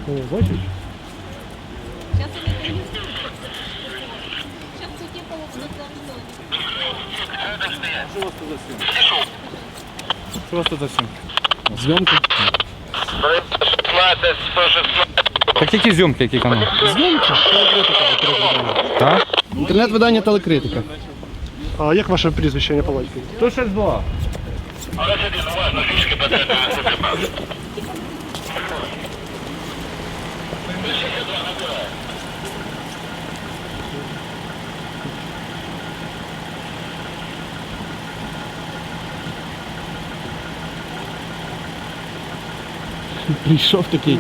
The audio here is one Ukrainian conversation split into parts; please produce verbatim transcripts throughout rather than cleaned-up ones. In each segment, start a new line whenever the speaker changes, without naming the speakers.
О, бачиш?
Сейчас они принесут. Сейчас все типа вот
Що у вас тут за сім? Що у вас тут за сім? Зйомки? Так які зйомки, які канали?
Зйомки?
Так?
Інтернет-видання телекритика.
А як ваше прізвище, не палатки?
То щось було. Прийшов такий.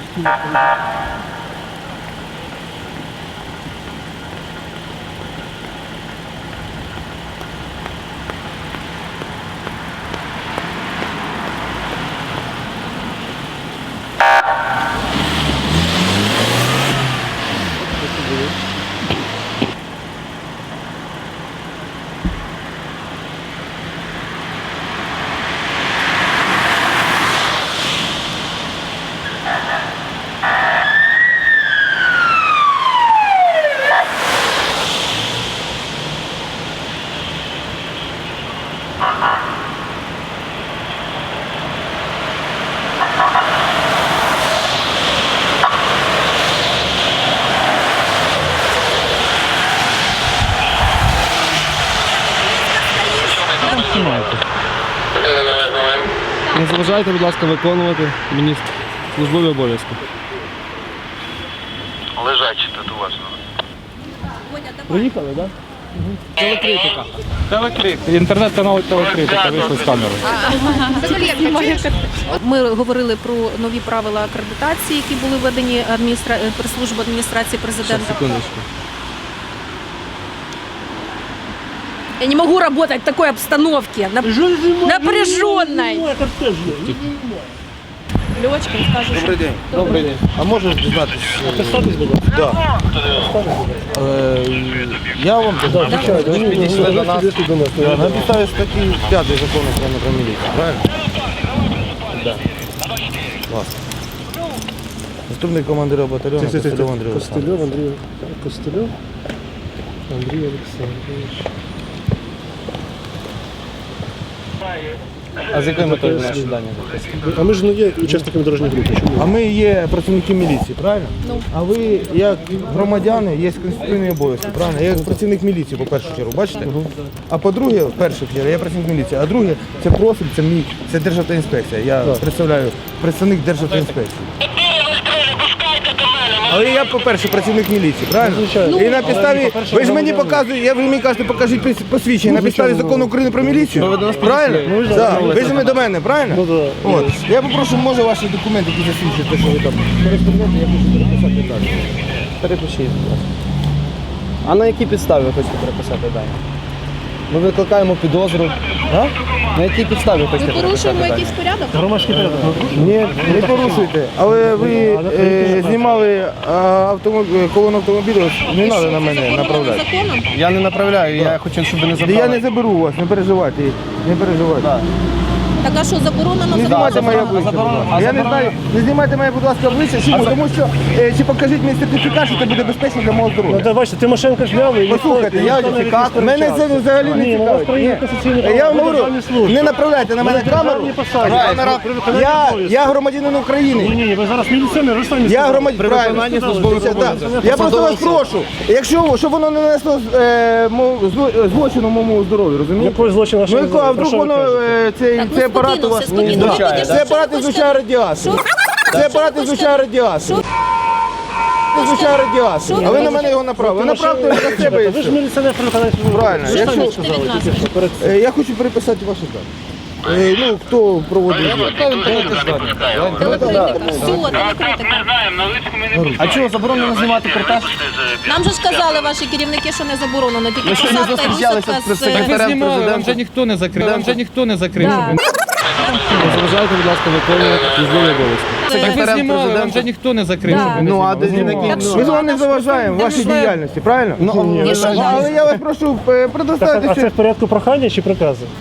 Не заважайте, будь ласка, виконувати мені службові обов'язки.
Лежачі тут уважно.
Приїхали, так? Телекритика.
Телекритика. Інтернет-канал телекритика, вийшли з камери.
Ми говорили про нові правила акредитації, які були введені адміністра... прес-службою адміністрації президента.
Секундочку.
Я не могу работать в такой обстановке, нап... напряженной. Лёчкин, скажешь.
Добрий день.
Добрий день.
А можеш дізнатися?
Представтесь, будь ласка.
Да. Е, я вам звичайно, ви підійшли до нас. На підставі статті п'ятої закону України про міліцію, правильно? Так. Класно. Наступник командира батальйону Костельов Андрій Олександрович.
Костельов Андрій. Костельов Андрій Олександрович.
А з якою метою наші дані?
А ми ж не є учасниками дорожньої групи. Чому?
А ми є працівники міліції, правильно? А ви, як громадяни, є конституційні обов'язки, правильно? Я як працівник міліції, по першу чергу, бачите? А по-друге, в першу чергу, я працівник міліції, а друге, це профіль, це мій, це Державтоінспекція. Я представляю представник Державтоінспекції. Але я, по-перше, працівник міліції, правильно?
Звичайно.
І на підставі,
Ну, по-перше,
ви ж мені
громадянин.
показуєте, я ви мені кажете, покажіть пос- посвідчення на підставі
звичайно.
закону України про міліцію,
ви до нас
правильно?
підійшли.
Ну,
Так.
да.
Ви ж ми до мене, правильно?
Ну, да.
От. Я попрошу, може, ваші документи, які засвідчують, те, що ви там кореспонденти, я хочу переписати далі.
Перепишіть, будь ласка. А на якій підставі ви хочете переписати дані? Ми викликаємо підозру. А? На якій підставі ви хочете
Ми
переписати
порушуємо
дані?
якийсь порядок?
Громадський порядок.
Ні, не порушуйте. Але ви е, знімали а, автомоб- колону автомобілів, не треба на мене направляти.
Законом?
Я не направляю, я хочу, щоб ви не
Та
забрали.
Я не заберу у вас, не переживайте, не переживайте.
Так.
Так а що, заборонено?
Не знімайте моє обличчя, будь
заборонено.
ласка.
А
Я не
заборонено.
знаю, не знімайте моє, будь ласка, обличчя, чому? Тому що, е, чи покажіть мені сертифікат, що це буде безпечно для мого
Ну,
здоров'я.
так, бачите, Тимошенко зняли і
Послухайте, я сертифікат, мене це взагалі не
Ні, ну, у вас
цікавить.
про є
Ні.
конституційні
Я
права,
вам
ви
говорю,
державні служби.
не направляйте на мене
Ви
камеру.
державні посади.
Камера.
При виконанні
Я,
обов'язків.
я громадянин України.
Ні, ні, ви зараз міліціонер, ви самі
Я
сказали.
громадянин,
При
правильно.
виконанні
службових
службових
обов'язків.
обов'язків.
Я просто вас прошу, якщо щоб воно не нанесло е, мо- зло- злочину моєму здоров'ю, розумієте?
Якої злочину
Ну,
нашого
яко, а вдруг воно, е, цей,
Так, ну,
цей апарат у
спокійно,
вас...
все, спокійно,
Да.
виходять,
Цей
що
апарат
ви
ізлучає
хочете?
радіацію.
Що?
Цей апарат
Що ви
ізлучає
хочете?
радіацію.
Що?
Ізлучає радіацію.
Що?
А ви на мене його направили. Ви направте його на себе і
Ви ж
все.
міліціонер при виконанні службових
Правильно.
обов'язків.
Якщо-
Ви ж самі сказали,
Від нас.
тільки що, перед цим.
Е, Я хочу переписати ваші дані. Е, Ну, хто проводить?
Телекритика. Все, телекритика.
знаємо, на личку ми не
А чого заборонено знімати репортаж?
Нам же ж казали ваші керівники, що не заборонено. Тільки
Ми сьогодні
посадка і
зустрічалися
висадка
з
з...
представником.
Е,
Ви знімали, вам вже
ніхто не закрив. Вам вже ніхто не закрив.
Да.
Не заважайте, будь ласка, виконувати службові обов'язки.
Так
ви знімали, вам вже ніхто не закрив.
Да.
Ну, а де
Так що?
ми з вами не заважаємо в вашій діяльності, правильно?
І що
Ну,
далі?
але я вас прошу е,
Так,
предоставити
а це
ще.
в порядку прохання чи приказу?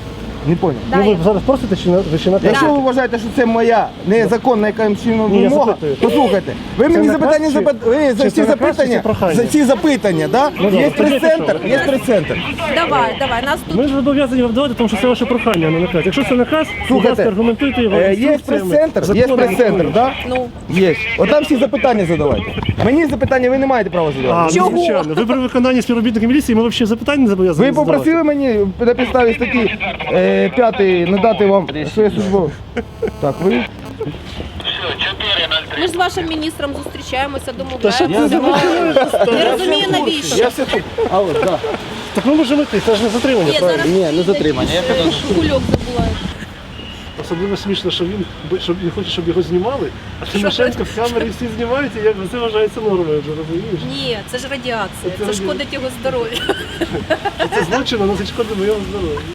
Не поняв.
Да,
Ну
я-
ви зараз просите чи на ви чи наказуєте?
Якщо ви вважаєте, що це моя незаконна якимсь чином
Ні, я
вимога,
запитую.
послухайте, ви мені
наказ
запитання
чи-
запит... ви за
чи
ці
це наказ, чи
запитання,
це прохання?
за ці запитання, да?
добре,
є
скажіть,
прес-центр,
що?
є прес-центр.
Давай, давай, нас тут
Ми ж зобов'язані вам давати, тому що це ваше прохання, а не наказ. Якщо це наказ, будь
Слухайте,
ласка, аргументуйте його.
Е, Є
інструкціями,
прес-центр, є
законами.
прес-центр, да?
ну
Є. От там всі запитання задавайте. Мені запитання ви не маєте права
А,
задавати.
ну, звичайно. Ви при виконанні співробітника міліції, ми взагалі запитань не зобов'язані
Ви
задавати.
попросили мені на підставі статті е, п'ятої надати вам своє службове. Так, ви?
Все, чотири нуль три.
ми ж з вашим міністром зустрічаємося,
Та що
домовляємося.
ти за
Я розумію, навіщо.
Я все тут. А от, так.
Так ми можемо йти, це ж не затримання,
Ні,
правильно?
зараз
Ні, не затримання. Я
е, кульок забула.
Особливо смішно, що він бо- щоб він хоче, щоб його знімали, а Тимошенко в камері всі знімають, і як це вважається нормою, вже розумієш?
Ні, це ж радіація,
Це
це шкодить його здоров'ю.
Це злочин, а носить шкоди моєму здоров'ю.